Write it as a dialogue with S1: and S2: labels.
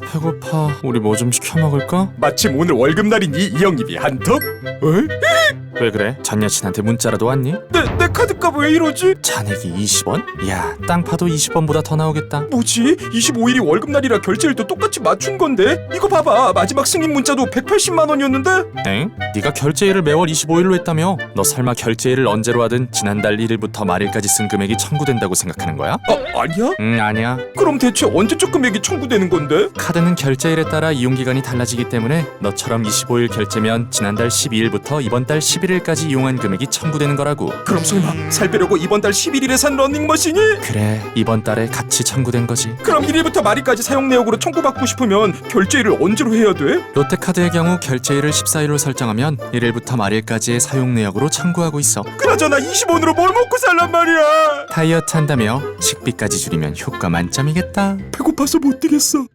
S1: 배고파. 우리 뭐 좀 시켜 먹을까?
S2: 마침 오늘 월급날이니 이 형님이 한턱?
S1: 왜 그래? 전 여친한테 문자라도 왔니?
S2: 내 카드값 왜 이러지?
S1: 잔액이 20원? 야, 땅 파도 20원보다 더 나오겠다.
S2: 뭐지? 25일이 월급날이라 결제일도 똑같이 맞춘 건데? 이거 봐봐, 마지막 승인 문자도 180만 원이었는데?
S1: 엥? 네가 결제일을 매월 25일로 했다며? 너 설마 결제일을 언제로 하든 지난달 1일부터 말일까지 쓴 금액이 청구된다고 생각하는 거야?
S2: 아니야?
S1: 아니야.
S2: 그럼 대체 언제적 금액이 청구되는 건데?
S1: 카드는 결제일에 따라 이용기간이 달라지기 때문에 너처럼 25일 결제면 지난달 12일부터 이번 달 11일까지 이용한 금액이 청구되는 거라고.
S2: 그럼 설마 살 빼려고 이번 달 11일에 산 러닝머신이?
S1: 그래, 이번 달에 같이 청구된 거지.
S2: 그럼 1일부터 말일까지 사용 내역으로 청구받고 싶으면 결제일을 언제로 해야 돼?
S1: 롯데카드의 경우 결제일을 14일로 설정하면 1일부터 말일까지의 사용 내역으로 청구하고 있어.
S2: 그나저나 20원으로 뭘 먹고 살란 말이야?
S1: 다이어트 한다며 식비까지 줄이면 효과 만점이겠다.
S2: 배고파서 못 되겠어.